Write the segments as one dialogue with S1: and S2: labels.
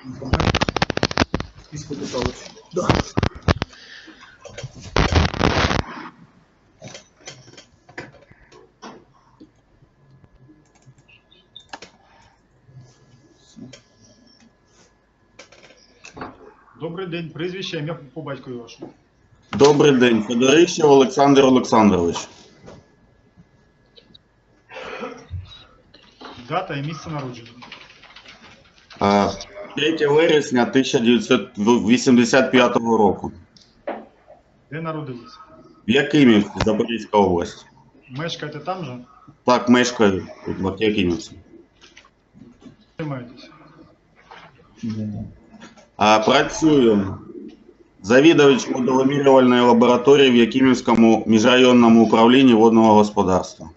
S1: Да.
S2: Добрий день, прізвище, ім'я по батькові вашому.
S3: Добрий день, Федорищев Олександр Олександрович.
S2: Дата і місце народження.
S3: 3 вересня 1985 року.
S2: Де народилися?
S3: В Якимівці, Запорізька область.
S2: Мешкаєте там же?
S3: Так, мешкаю в Якимівці.
S2: Займаєтесь?
S3: Працюю завідувач моделомірювальної лабораторії в Якимівському міжрайонному управлінні водного господарства.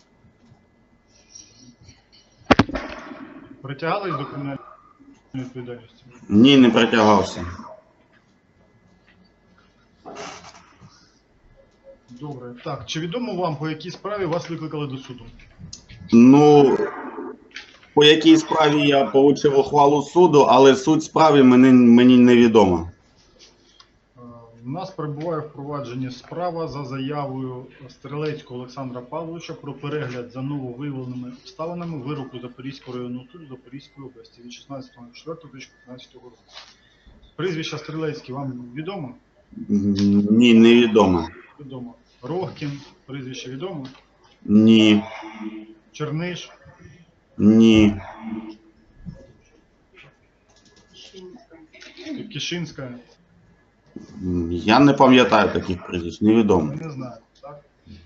S2: Притягались до кримінальної відповідальності?
S3: Ні, не притягався.
S2: Добре. Так, чи відомо вам, по якій справі вас викликали до суду?
S3: Ну, по якій справі я отримав ухвалу суду, але суть справи мені невідома.
S2: У нас перебуває в провадженні справа за заявою Стрелецького Олександра Павловича про перегляд за нововиявленими обставинами вироку Запорізького районного суду Запорізької області від 16.04.2015 року. Прізвище Стрелецький вам відомо?
S3: Ні, невідомо.
S2: Відомо. Рогкін, прізвище відомо?
S3: Ні.
S2: Черниш?
S3: Ні.
S2: Кишинська?
S3: Я не пам'ятаю таких прізвищ, невідомо.
S2: Не знаю, так?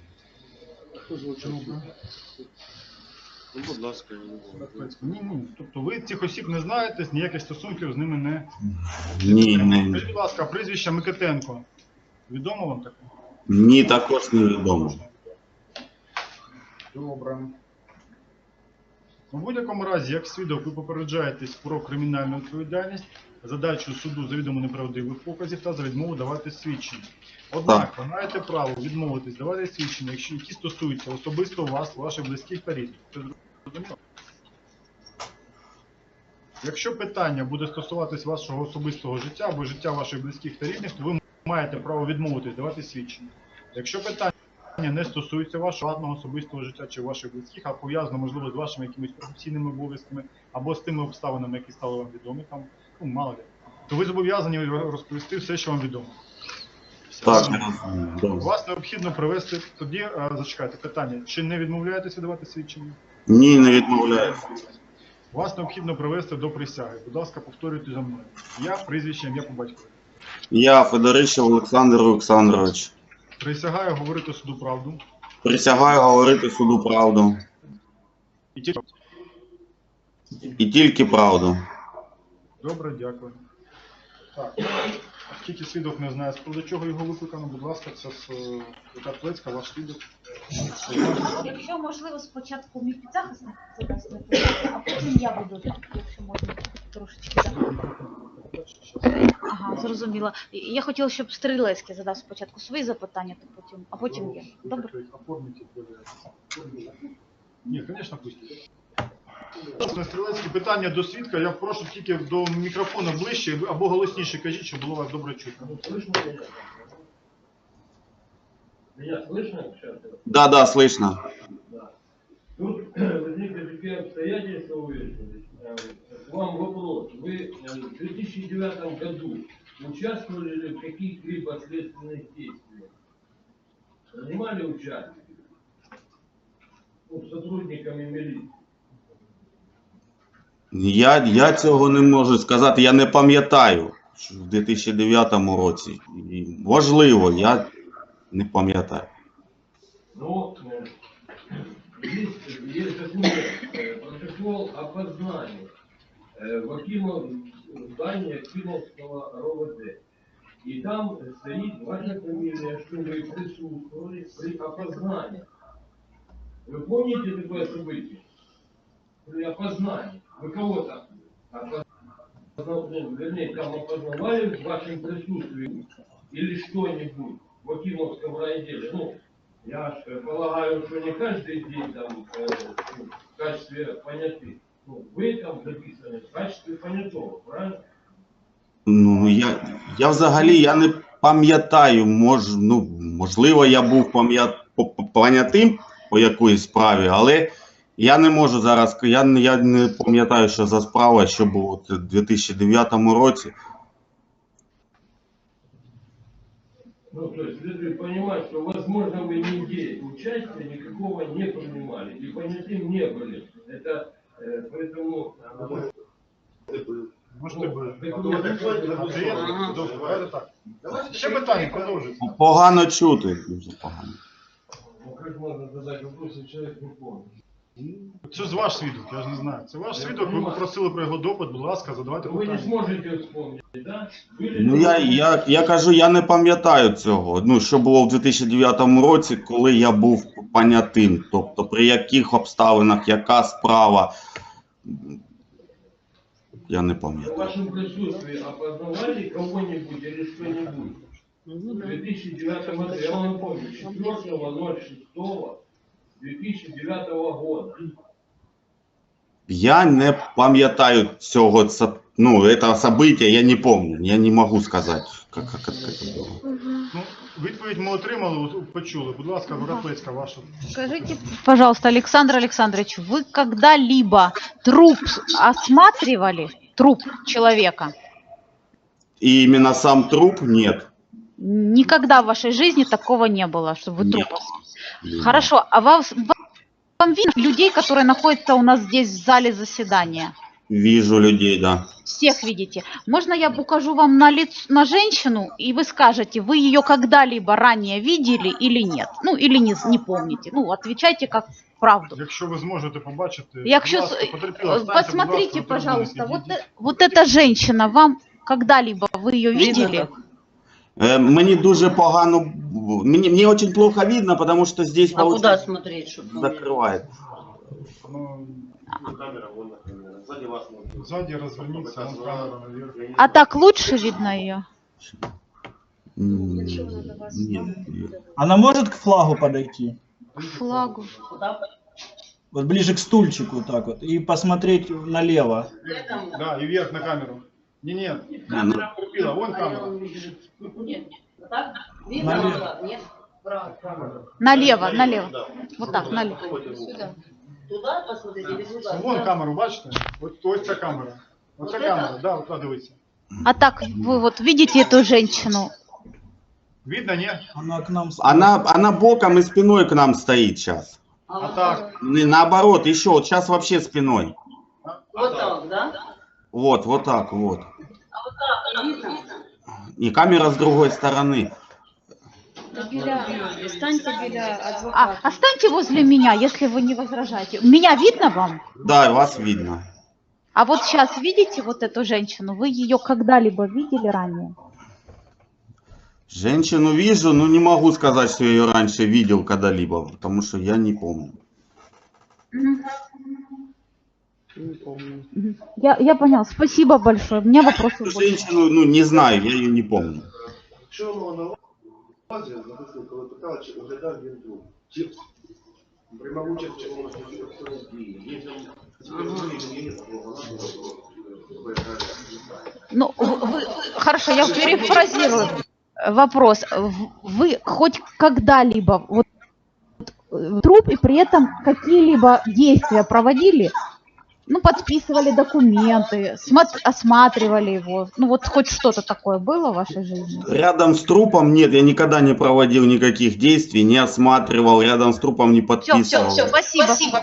S1: Ну, будь ласка,
S2: Ні. Тобто ви цих осіб не знаєте, ніяких стосунків з ними не...
S3: Ні,
S2: Скажіть, будь ласка, прізвище Микитенко. Відомо вам таке?
S3: ні, також невідомо.
S2: Добре. У будь-якому разі, як свідок, ви попереджаєтесь про кримінальну відповідальність, задачу суду за відомо неправдивих показів та за відмову давати свідчення. Однак, ви маєте право відмовитись давати свідчення, якщо які стосуються особисто вас, ваших близьких та рідних. Це зрозуміло? Якщо питання буде стосуватись вашого особистого життя або життя ваших близьких та рідних, то ви маєте право відмовитись давати свідчення. Якщо питання не стосується вашого приватного особистого життя чи ваших близьких, а пов'язано, можливо, з вашими якимись професійними обов'язками або з тими обставинами, які стали вам відомі, там, ну, мало ли, то ви зобов'язані розповісти все, що вам відомо.
S3: Так,
S2: Вас необхідно привести, тоді, зачекайте, питання, чи не відмовляєтеся давати свідчення?
S3: ні, не відмовляюся.
S2: Вас необхідно привести до присяги. Будь ласка, повторюйте за мною. Я, прізвище, ім'я по батькові.
S3: Я, Федорищев Олександр Олександрович.
S2: Присягаю говорити суду правду.
S3: Присягаю говорити суду правду. І тільки правду.
S2: Добре, дякую. Так, оскільки свідок не знає, з приводу чого його викликано, будь ласка, це Свята Плецька, ваш свідок.
S4: Якщо можливо, спочатку мій підзахисник задасть питання, а потім я буду, якщо можна, трошечки. Ага, зрозуміла. Я хотіла, щоб Стрілецький задав спочатку свої запитання, а потім я. Добре?
S2: Ні, звісно, пустіть. Стрілецькі питання до свідка, я прошу тільки до мікрофона ближче або голосніше кажіть, щоб було вас добре чутно.
S5: Меня слышно?
S3: Да, слышно.
S5: Да. Тут возникли такие обстоятельства, выяснились. К вам вопрос. Вы в 2009 году участвовали ли в каких-либо следственных действиях? Принимали участие? Ну, сотрудниками милиции?
S3: Я цього не можу сказати, я не пам'ятаю, що в 2009 році. Можливо, я не пам'ятаю.
S5: Ну, есть такой протокол опознания в здании Акимовского РОВД. И там стоит ваша фамилия, что вы присутствовали при опознании. Вы помните такое событие? При опознании. Вы кого там вернее, там опознавали в вашем присутствии или что-нибудь в Акимовском райотделе? Ну, я полагаю, что не каждый день там в качестве понятых. Ну, вы там записаны, в качестве понятого, правильно?
S3: Ну, я взагалі я не пам'ятаю, можливо, я був понятим по якоїсь справі, але я не можу зараз, я не пам'ятаю, що за справа, що було в 2009 році.
S5: Ну, то есть, следует понимать, что, возможно, вы нигде участия никакого не принимали, и понятым не были. Это, поэтому...
S2: Можете би. Давайте так. Ще питання, продовжуйте.
S3: Погано чути, дуже погано.
S5: Ну, как можно задать вопрос, если человек не помнит?
S2: Це ж ваш свідок, я ж не знаю. Це ваш свідок, ви попросили про його допит, будь ласка, задавайте
S5: Вы не
S2: питання.
S5: сможете вспомнить, да?
S3: Ну, я кажу, я не пам'ятаю цього. Ну, що було в 2009 році, коли я був понятим. Тобто, при яких обставинах, яка справа, я не
S5: В
S3: пам'ятаю.
S5: вашем присутствии опознавали кого-нибудь или что-нибудь? В 2009 году, я вам напомню, 4.06.2009 года.
S3: Я не пам'ятаю цього, этого события, я не помню. Я не можу сказати, як це було.
S2: Ну, відповідь ми отримали, почули. Будь ласка, Воропецька, ваша.
S4: Скажите, пожалуйста, Александр Александрович, вы когда-либо труп осматривали? Труп человека?
S3: И именно сам труп нет.
S4: Никогда в вашей жизни такого не было, чтобы вы труп.
S3: Нет.
S4: Хорошо, а вам видно людей, которые находятся у нас здесь в зале заседания?
S3: Вижу людей, да.
S4: Всех видите. Можно я укажу вам на женщину, и вы скажете, вы ее когда-либо ранее видели или нет? Ну, или не помните. Ну, отвечайте как правду.
S2: Якщо ви зможете побачити,
S4: Якщо
S2: будь ласка, потерпіла, встаньте,
S4: посмотрите,
S2: будь ласка,
S4: пожалуйста,
S2: на трибуну,
S4: вот эта женщина, вам когда-либо вы ее видели?
S3: Мне дуже погано, мне очень плохо видно, потому что здесь
S6: А куда смотреть, чтобы
S3: закрывает.
S2: Ну,
S1: Камера, вон камера. Сзади вас можно.
S2: сзади развернуться, вон камера наверх.
S4: А так лучше видно ее?
S3: Нет.
S1: Она может к флагу подойти?
S4: К флагу.
S1: Вот ближе к стульчику вот так вот. И посмотреть налево.
S2: Да, и вверх на камеру. Не,
S3: ну,
S2: потерпіла, вон камера.
S6: Нет, так? Видно?
S1: Налево.
S6: Нет? Право.
S4: Налево. Вот так, налево.
S6: Сюда. Туда посмотрите или туда?
S2: Вон камеру, бачите? Ось ця камера. Оце
S6: Вот
S2: камера,
S6: это?
S2: да, от дивіться.
S4: А так вы вот видите эту женщину?
S2: Видно, ні?
S1: Она к нам...
S3: Она боком и спиной к нам стоит сейчас.
S2: А так,
S3: Наоборот, еще вот сейчас вообще спиной.
S6: Вот так, да?
S3: Вот так вот.
S6: А вот так, видно?
S3: И камера с другой стороны.
S7: Станьте біля адвоката.
S4: Останьте возле меня, если вы не возражаете. Меня видно вам?
S3: Да, вас видно.
S4: А вот сейчас видите вот эту женщину? Вы ее когда-либо видели ранее?
S3: Женщину вижу, но не могу сказать, что я ее раньше видел когда-либо, потому что я не помню.
S4: Я понял. Спасибо большое. У меня вопросов больше.
S3: Женщину, не знаю, я ее не помню.
S8: Що воно на увазі, записую, коли питали, чи оглядав він труп? Чи приймав участь в чому дії? Є там специфічні, є
S4: Ну, хорошо, я перефразирую вопрос. Вы хоть когда-либо вот труп и при этом какие-либо действия проводили? Ну, подписывали документы, осматривали его. Ну, вот хоть что-то такое было в вашей жизни?
S3: Рядом с трупом нет, я никогда не проводил никаких действий, не осматривал, рядом с трупом не подписывал.
S4: Все, спасибо.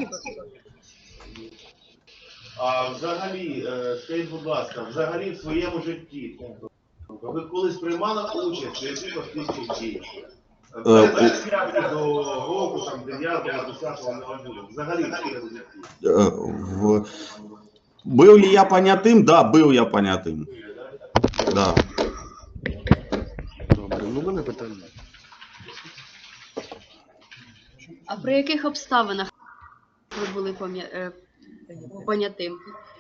S8: А взагалі, скажіть, будь ласка, взагалі в своєму житті, ви колись приймали участь в якихось тисячах дій? До року, там, 9-го, 10-го, не взагалі в своєму житті.
S3: Был ли я понятым? Да, был я понятым. Да.
S1: Добре, ну мене питання.
S7: А при яких обставинах ви були понятим?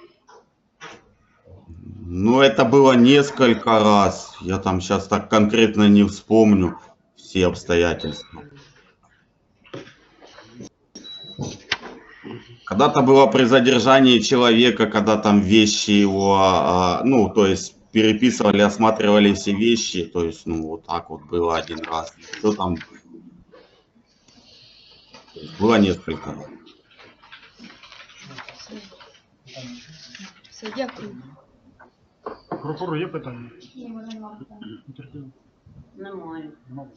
S3: Ну, это было несколько раз. Я там сейчас так конкретно не вспомню все обстоятельства. Когда-то было при задержании человека, когда там вещи его, ну, то есть переписывали, осматривали все вещи, то есть, ну, вот так вот было один раз. Что там? То есть было несколько.
S7: Все, дякую.
S2: Прокурор, є питання?
S6: Немає.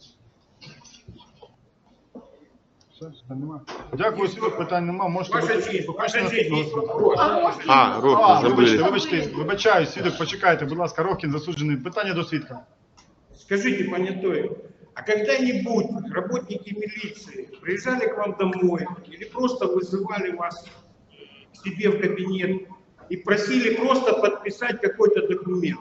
S2: Все, питань немає. Дякую, свідок, питань немає. Можете
S9: Ваша
S2: бути.
S9: честь,
S2: Покажете
S9: ваша честь,
S2: наступного
S9: есть
S2: свідка.
S9: вопрос.
S2: Вибачаю, свідок, почекайте, будь ласка, Рохін засуджений. Питання до свідка.
S9: Скажите, понятой, а когда-нибудь работники милиции приезжали к вам домой или просто вызывали вас к себе в кабинет и просили просто подписать какой-то документ?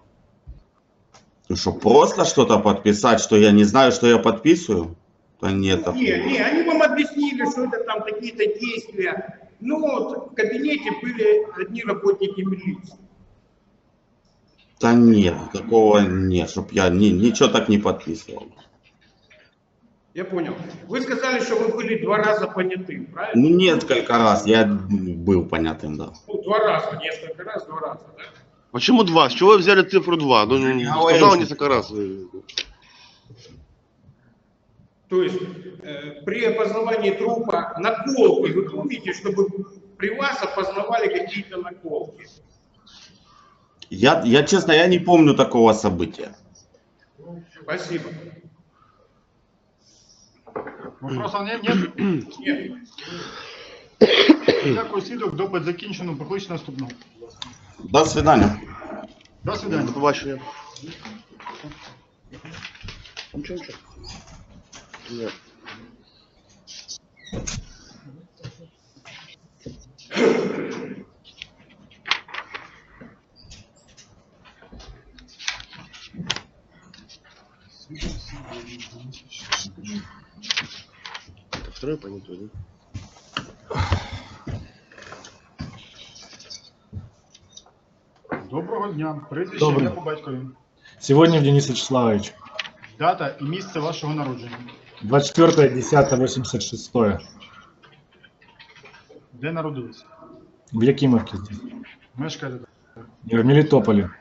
S3: Ну что, просто что-то подписать, что я не знаю, что я подписываю? Да нет.
S9: Не, они вам объяснили, что это там какие-то действия. Ну вот в кабинете были одни работники милиции.
S3: Да нет, такого нет, чтоб я ничего так не подписывал.
S9: Я понял. Вы сказали, что вы были 2 раза понятым, правильно?
S3: Ну, несколько раз я был понятым, да.
S9: Ну, 2 раза, несколько раз, 2 раза, да?
S10: Почему 2? С чего вы взяли цифру 2? Ну,
S3: говорю,
S10: сказал
S3: что-
S10: несколько раз.
S9: То есть при опознавании трупа наколки, вы помните, чтобы при вас опознавали какие-то наколки?
S3: Я честно, я не помню такого события.
S9: Спасибо.
S2: Вопросов нет?
S9: Нет.
S2: Дякую, свідок, допит закінчено. Покличте наступного.
S3: До свидания.
S2: До свидання.
S10: До побачення. Нічого. Нет. Это второй понятой, да?
S2: Доброго дня. Прізвище,
S1: Доброго.
S2: ім'я по батькові.
S1: Сегодня Денис Вячеславович.
S2: Дата і місце вашого народження.
S1: 24.10.86.
S2: Де народилися?
S1: В Якимовке здесь.
S2: Мешкаєте?
S1: В Мелитополе.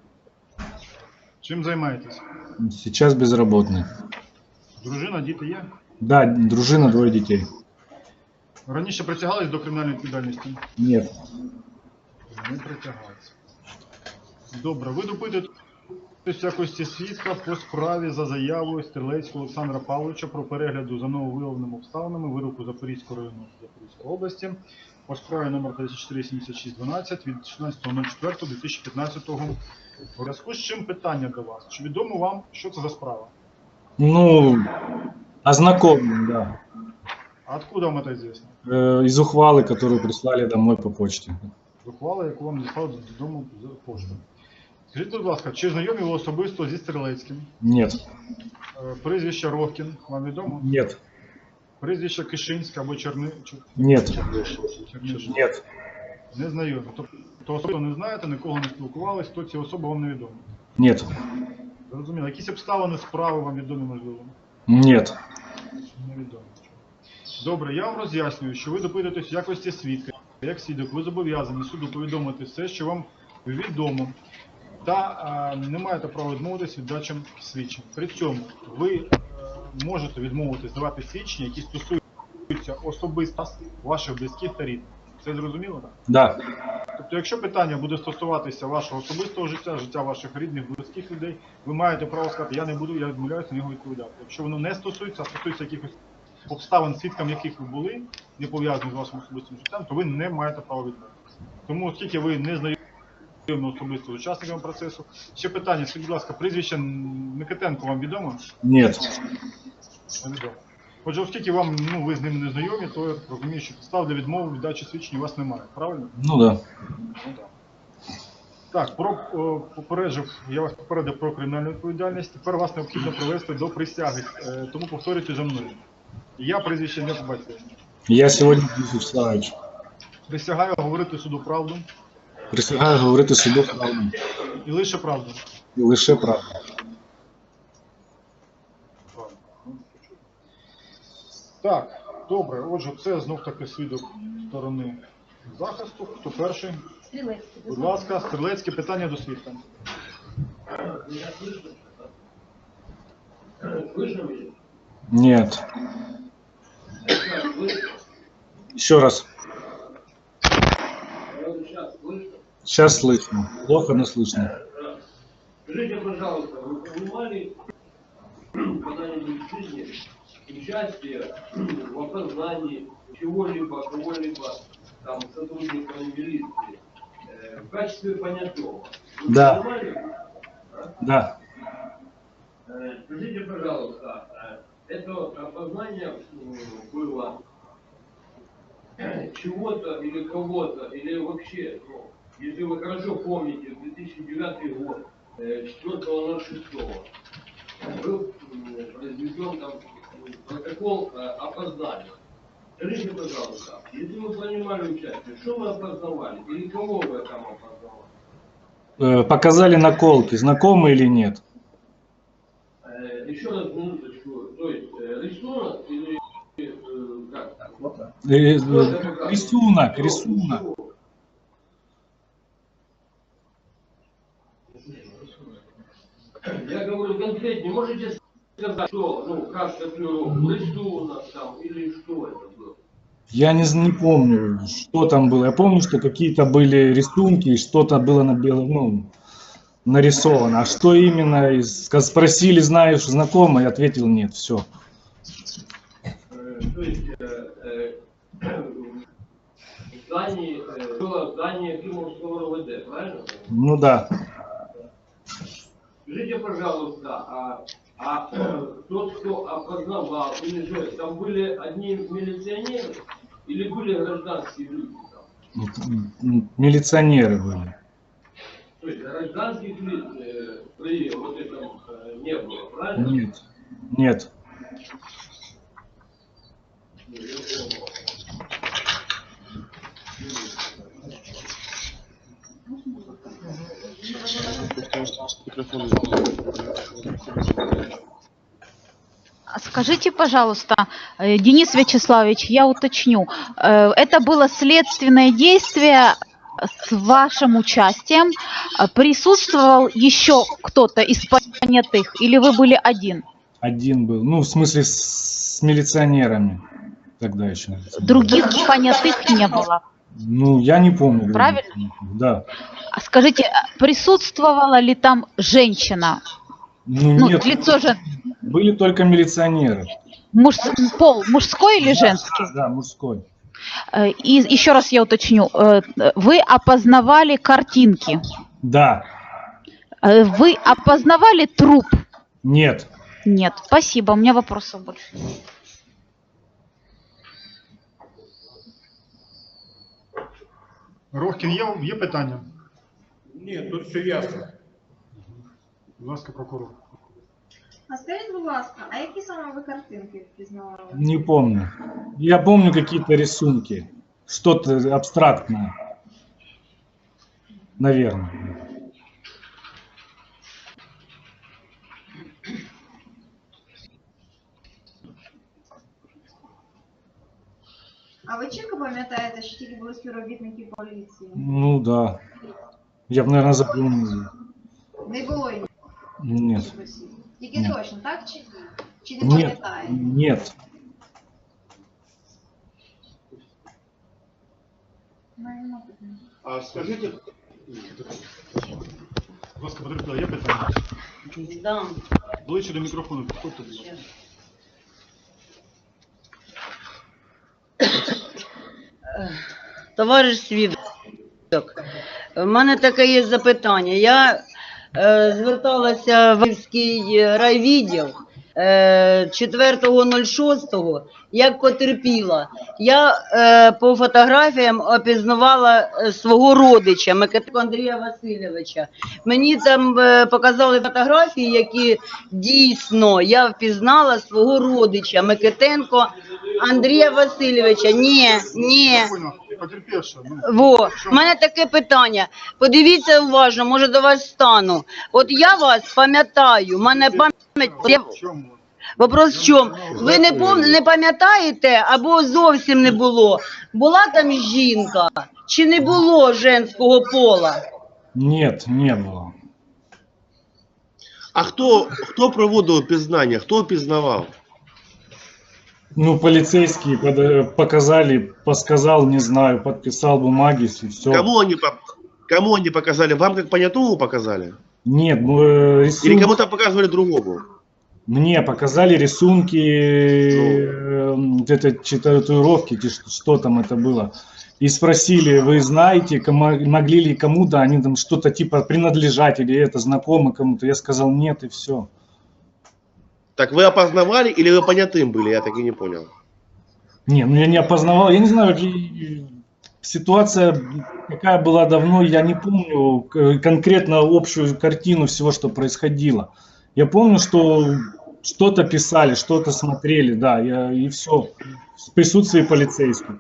S2: Чим займаєтесь?
S1: Сейчас безработный.
S2: Дружина, діти є?
S1: Да, дружина, 2 детей.
S2: Раніше притягались до кримінальної відповідальності?
S1: Нет.
S2: Не притягаються. Добре, ви допитуєтесь в якості свідка по справі за заявою Стрілецького Олександра Павловича про перегляду за нововиявленими обставинами вироку Запорізького району Запорізької області по справі номер 347612 від 16.04.2015 У зв'язку з чим питання до вас? Чи відомо вам, що це за справа?
S1: Ну, ознакомлен, да.
S2: А откуда вам це известно?
S1: Из ухвалы, которую прислали домой по почте.
S2: Ухвала, яку вам надіслали додому з поштою. Скажіть, будь ласка, чи знайомі ви особисто зі Стрілецьким?
S1: Нет.
S2: Прізвище Рохкін вам відомо?
S1: Нет.
S2: Прізвище Кишинська або
S1: Нет.
S2: Чернишин?
S1: Нет.
S2: Не знайомі. Тобто особисто не знаєте, нікого не спілкувались, то ці особи вам не відомі.
S1: Нет.
S2: Зрозуміло. Якісь обставини справи вам відомі, можливо?
S1: Нет.
S2: Невідомо. Добре, я вам роз'яснюю, що ви допитуєтесь в якості свідка. Як свідок, ви зобов'язані суду повідомити все, що вам відомо, та не маєте права відмовитись від дачі свідчень. При цьому ви можете відмовитись давати свідчення, які стосуються особисто ваших близьких та рідних. Це зрозуміло, так?
S1: Да.
S2: Тобто, якщо питання буде стосуватися вашого особистого життя, життя ваших рідних, близьких людей, ви маєте право сказати, я не буду, я відмовляюся на нього відповідати. Якщо воно не стосується, а стосується якихось обставин, свідком яких ви були, не пов'язані з вашим особистим життям, то ви не маєте права відмовитися. Тому, оскільки ви не знайомі особисто з учасниками процесу, ще питання, скажіть, будь ласка, прізвище Микитенко вам відомо?
S1: Нет.
S2: Невідомо. Отже, оскільки вам, ви з ним не знайомі, то я розумію, що підстав для відмови від дачі свідчень у вас немає, правильно?
S1: Ну да.
S2: Так, я вас попередив про кримінальну відповідальність. Тепер вас необхідно привести до присяги, тому повторюйте за мною. Я прізвище ім'я по батькові.
S1: Я сегодня Денис Вячеславович.
S2: Присягаю говорити суду правду
S1: Присягаю говорити суду правду.
S2: і лише правду.
S1: І лише правду.
S2: Так, Добре, отже, це знов таки свідок сторони захисту. Хто перший?
S4: Стрелецкий.
S2: Будь ласка, стрілецьке питання до свідка.
S5: Меня слышно? Слышно меня?
S1: Нет.
S5: Сейчас слышно?
S1: Еще раз.
S5: Сейчас слышно?
S1: Сейчас слышно. Плохо, но слышно.
S5: Скажите, пожалуйста, вы принимали когда-нибудь в жизни участие в опознании чего-либо, кого-либо, там, сотрудника милиции в качестве понятого? Вы
S1: Да.
S5: принимали?
S1: Да.
S5: Скажите, пожалуйста, это опознание было чего-то или кого-то, или вообще, ну, если вы хорошо помните, 2009 год, 4.06, был произведен там протокол опознания. Скажите, пожалуйста, если вы принимали участие, что вы опознавали или кого вы там опознавали?
S1: Показали наколки. Знакомы или нет?
S5: Еще раз минуточку, то есть рисунок или как?
S1: Рисунок, рисунок.
S5: Я говорю конкретнее, можете сказать, что, ну, как татуировку, рисунок там или что это было?
S1: Я не помню, что там было. Я помню, что какие-то были рисунки, и что-то было на белом, ну, нарисовано. А что именно? Спросили, знаешь, знакомо? Я ответил, нет, все.
S5: То есть здание, было здание Кимовского РОВД, правильно?
S1: Ну да.
S5: Скажите, пожалуйста, тот, кто опознавал, или же там были одни милиционеры или были гражданские люди там?
S1: Милиционеры были.
S5: То есть гражданских лиц при вот этом не было, правильно?
S1: Нет, нет.
S4: Скажите, пожалуйста, Денис Вячеславович, я уточню. Это было следственное действие с вашим участием. Присутствовал еще кто-то из понятых или вы были один?
S1: Один был. Ну, в смысле, с милиционерами. Тогда еще.
S4: Других понятых не было.
S1: Ну, я не помню.
S4: Правильно?
S1: Да.
S4: Скажите, присутствовала ли там женщина?
S1: Ну, нет,
S4: лицо же...
S1: были только милиционеры.
S4: Пол мужской или женский?
S1: Да, мужской.
S4: И еще раз я уточню. Вы опознавали картинки?
S1: Да.
S4: Вы опознавали труп?
S1: Нет.
S4: Нет. Спасибо, у меня вопросов больше.
S2: Рохкін, є питання?
S9: Ні, тут все ясно.
S2: Будь ласка, прокурор.
S11: А скажіть, будь ласка, а які саме ви картинки впізнавали?
S1: Не помню. Я помню какие-то рисунки. Что-то абстрактное. Наверное.
S11: А ви чітко пам'ятаєте, що тільки були співробітники поліції?
S1: Ну да. Я бы, наверное, запомнил.
S11: Не було їх?
S1: Нет.
S11: Тільки
S1: Ні.
S11: точно, так чи ні? Чи не
S1: Нет.
S11: пам'ятаєте?
S1: Нет.
S8: А скажите,
S2: Будь ласка, потерпіла, є питання?
S6: Да.
S2: Ближче до мікрофону, підходьте, будь ласка.
S6: Товариш свідок, в мене таке є запитання. Я зверталася в Київський райвідділ 4.06, як потерпіла. Я по фотографіям опізнавала свого родича, Микитенко Андрія Васильовича. Мені там показали фотографії, які дійсно я впізнала свого родича, Микитенко Андрія Васильовича. Ні.
S2: Потерпівши.
S6: Во, в мене таке питання. Подивіться уважно, може до вас стану. От я вас пам'ятаю, в мене пам'ять... Вопрос в чому? Ви не пам'ятаєте або зовсім не було? Була там жінка чи не було женського пола?
S1: Нет, не было.
S10: А хто проводив опізнання? Хто опізнавав?
S1: Ну, полицейские показали, подсказал, не знаю, подписал бумаги, и все.
S10: Кому они показали? Вам как понятому показали?
S1: Нет,
S10: Или
S1: рисунки...
S10: кому-то показывали другому?
S1: Мне показали рисунки, татуировки, что там это было. И спросили, вы знаете, могли ли кому-то они там что-то типа принадлежать, или это знакомо кому-то. Я сказал нет, и все.
S10: Так вы опознавали или вы понятым были? Я так и не понял.
S1: Не, ну я не опознавал, я не знаю, ситуация какая была давно, я не помню конкретно общую картину всего, что происходило. Я помню, что что-то писали, что-то смотрели, да, и все, в присутствии полицейских.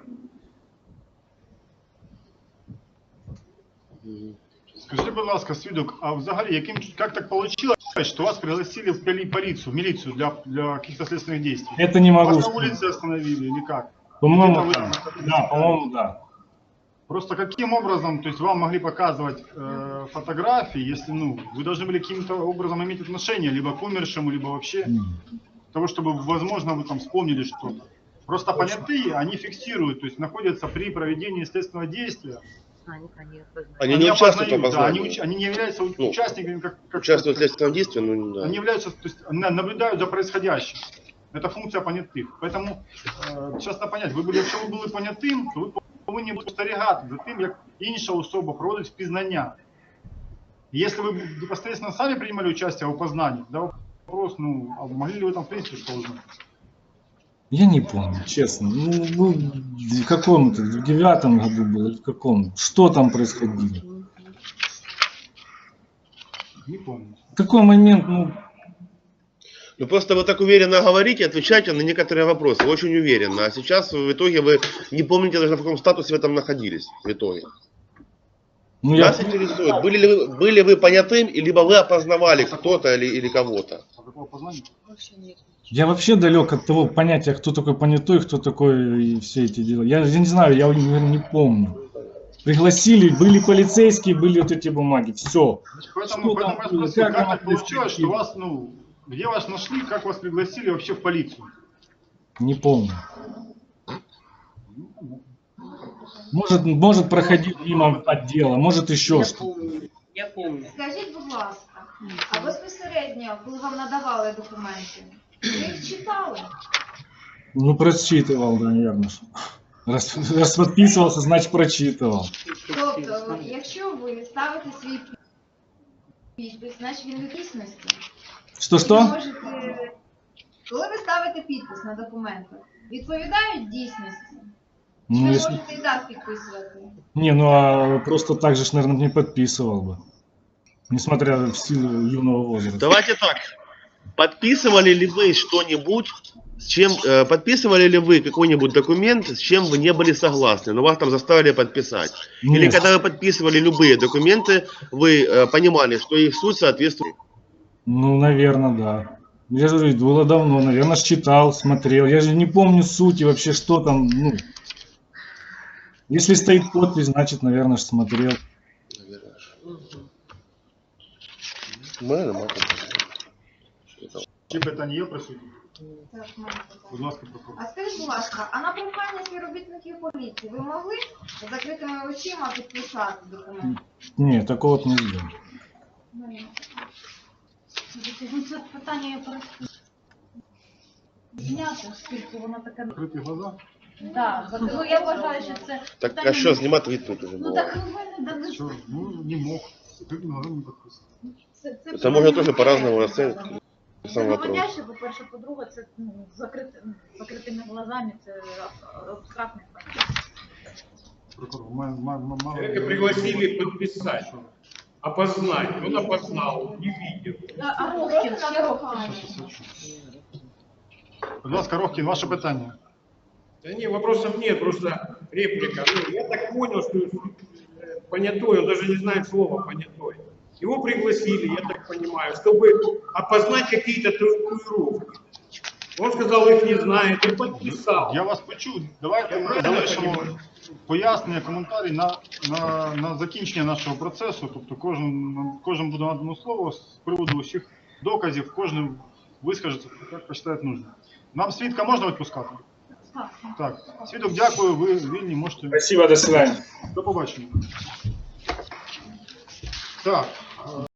S2: Скажи, будь ласка, свідок, а взагалі, как так получилось, что вас пригласили в полицию, в милицию для каких-то следственных действий?
S1: Это не могу
S2: Вас на
S1: сказать.
S2: улице остановили или как?
S1: По-моему, да, по-моему, да.
S2: Просто каким образом, то есть вам могли показывать фотографии, если, ну, вы должны были каким-то образом иметь отношение, либо к умершему, либо вообще, того, чтобы, возможно, вы там вспомнили что-то. Просто понятые, они фиксируют, то есть находятся при проведении следственного действия.
S10: Они не участвуют в опознании.
S2: Они не являются участниками, как
S10: участвуют в следственном действии, ну да.
S2: Они являются, то есть наблюдают за происходящим. Это функция понятых. Поэтому, часто понять, якщо ви були понятим, то ви повинні бути спостерігати за тим, як інша особа проводить впізнання. Если вы непосредственно сами принимали участие в опознании, да, вопрос, ну, а могли ли вы там в принципе что узнать?
S1: Я не помню, честно. Ну, в каком-то, в 9-м году было, или в каком? Что там происходило?
S2: Не помню.
S1: В какой момент, ну...
S10: Ну просто вы так уверенно говорите, отвечаете на некоторые вопросы, очень уверенно. А сейчас в итоге вы не помните даже, в каком статусе вы там находились в итоге.
S1: Ну,
S10: Нас интересует, были вы понятым, либо вы опознавали кто-то или кого-то?
S1: Я вообще далек от того понятия, кто такой понятой, кто такой и все эти дела. Я не знаю, я не помню. Пригласили, были полицейские, были вот эти бумаги, все.
S2: Поэтому как так получилось, что вас, ну, где вас нашли, как вас пригласили вообще в полицию?
S1: Не помню. Может проходить мимо отдела, может еще что-то.
S6: Я помню.
S11: Скажіть, будь ласка, а безпосередньо, коли вам надавали документи, ви їх читали?
S1: Ну, прочитывал, да, наверное. Раз подписывался, значит прочитывал.
S11: Тобто, якщо ви ставите свій підпис, значить він в дійсності.
S1: Что-что?
S11: Коли ви ставите підпис на документах, відповідають дійсності? Чи
S1: Ну,
S11: ви
S1: если...
S11: можете і так підписувати?
S1: Не, ну а просто так же, наверное, не подписывал бы. Несмотря в силу юного возраста.
S10: Давайте так. Подписывали ли вы что-нибудь, с чем подписывали ли вы какой-нибудь документ, с чем вы не были согласны, но вас там заставили подписать?
S1: Нет.
S10: Или когда вы подписывали любые документы, вы понимали, что их суть соответствует?
S1: Ну, наверное, да. Я же говорю, было давно, наверное, читал, смотрел. Я же не помню сути вообще, что там, ну. Если стоит подпись, значит, наверное, смотрел.
S2: Чи питання є присутні?
S11: Так, можна.
S2: Будь ласка, прокурор.
S11: А скажіть, будь ласка, а на прохання співробітників поліції ви могли з закритими очима підписати документи?
S1: Ні, такого не сделал.
S4: Це питання я просто зняти, оскільки воно таке...
S2: Закриті глаза?
S4: Так, ну я вважаю, що це...
S10: Так,
S4: питання
S10: а що, знімати відповідь уже
S4: Ну
S10: було?
S4: так ви мене дали...
S2: Що? Ну, не мог. Закриті глаза не підписати.
S10: Это можно тоже по-разному расценивать.
S4: Це
S10: Сам вопрос.
S4: наводяще, по-перше, по-друге, це закритими глазами, це абстрактний факт.
S2: Прокурор,
S9: Человека пригласили подписать, опознать. Он опознал, не видел.
S4: А Рохкін, ще Рохкін.
S2: Будь ласка, Рохкін, ваше питання.
S9: Да нет, вопросов нет, просто реплика. Ну, я так понял, что понятой, он даже не знает слова понятой. Его пригласили, я так понимаю, чтобы опознать какие-то татуировки. Он сказал, их не знает, и подписал.
S2: Я вас почув. Давайте залишимо пояснення, коментарі на закінчення нашого процесу. Тобто кожен буде надано слово з приводу усіх доказів, кожен вискажеться, як посчитає нужно. Нам свідка можна відпускати? Так. Свідок, дякую, ви вільні, можете.
S1: Спасибо, до свидания.
S2: До побачення. Так.